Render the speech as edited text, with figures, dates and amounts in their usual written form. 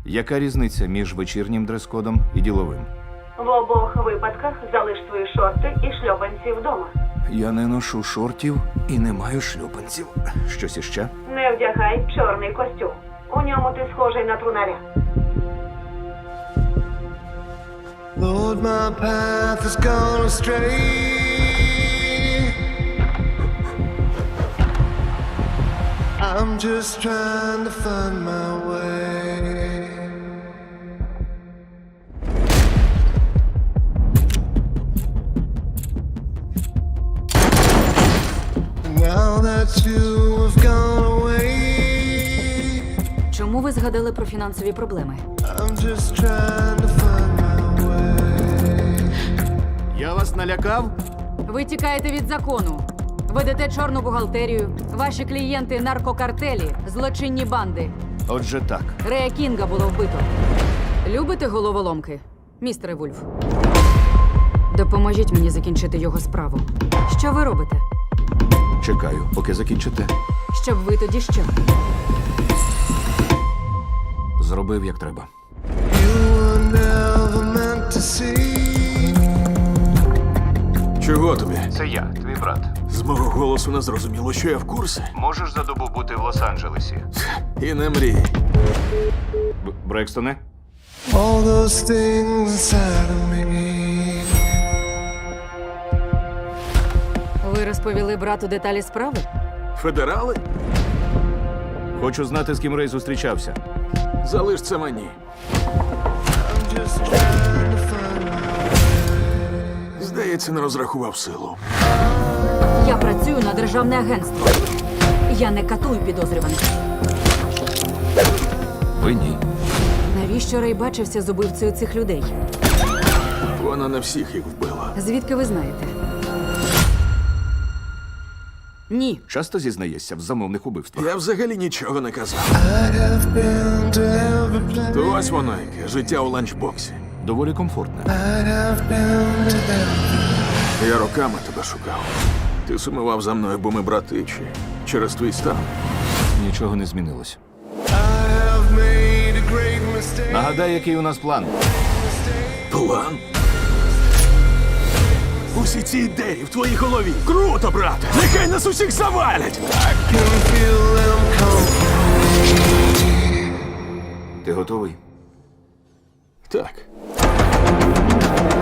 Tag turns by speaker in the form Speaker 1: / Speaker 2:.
Speaker 1: Яка різниця між вечірнім дрес-кодом і діловим?
Speaker 2: В обох випадках залиш свої шорти і шльопанці вдома.
Speaker 1: Я не ношу шортів і не маю шлюпанців. Щось іще?
Speaker 2: Не вдягай чорний костюм. У ньому ти схожий на трунаря.
Speaker 3: Lord, my path has gone astray. I'm just trying to find my way. Now that you have gone away,
Speaker 4: Чому ви згадали про фінансові проблеми?
Speaker 3: I'm just trying to find my way.
Speaker 1: Я вас налякав?
Speaker 4: Ви тікаєте від закону. Ведете чорну бухгалтерію. Ваші клієнти – наркокартелі, злочинні банди.
Speaker 1: Отже так.
Speaker 4: Рея Кінга було вбито. Любите головоломки, містере Вульф? Допоможіть мені закінчити його справу. Що ви робите?
Speaker 1: Чекаю, поки закінчите.
Speaker 4: Щоб ви тоді що?
Speaker 1: Зробив, як треба.
Speaker 3: You were never meant to see.
Speaker 5: Чого тобі?
Speaker 1: Це я, твій брат.
Speaker 5: З мого голосу не зрозуміло, що я в курсі.
Speaker 1: Можеш за добу бути в Лос-Анджелесі?
Speaker 5: І не мрій.
Speaker 1: Брекстоне?
Speaker 3: All those things inside of me.
Speaker 4: Ви розповіли брату деталі справи?
Speaker 5: Федерали?
Speaker 1: Хочу знати, з ким Рей зустрічався.
Speaker 5: Залиш це мені.
Speaker 3: I'm just trying to find my
Speaker 5: Здається, не розрахував силу.
Speaker 4: Я працюю на державне агентство. Я не катую підозрюваних.
Speaker 1: Ви ні.
Speaker 4: Навіщо Рей бачився з убивцею цих людей?
Speaker 5: Вона не всіх їх вбила.
Speaker 4: Звідки ви знаєте? Ні.
Speaker 1: Часто зізнаєшся в замовних убивствах?
Speaker 5: Я взагалі нічого не казав.
Speaker 3: I have been to every place.
Speaker 5: То ось воно яке, життя у ланчбоксі.
Speaker 1: Доволі комфортне.
Speaker 3: I have been to every.
Speaker 5: Я роками тебе шукав. Ти сумував за мною, бо ми брати чи через твій стан.
Speaker 1: Нічого не змінилось.
Speaker 3: I have made a great mistake.
Speaker 1: Нагадай, який у нас план.
Speaker 5: План? Усі ці ідеї в твоїй голові. Круто, брате! Нехай нас усіх завалять!
Speaker 3: I can feel them come.
Speaker 1: Ти готовий?
Speaker 5: Так.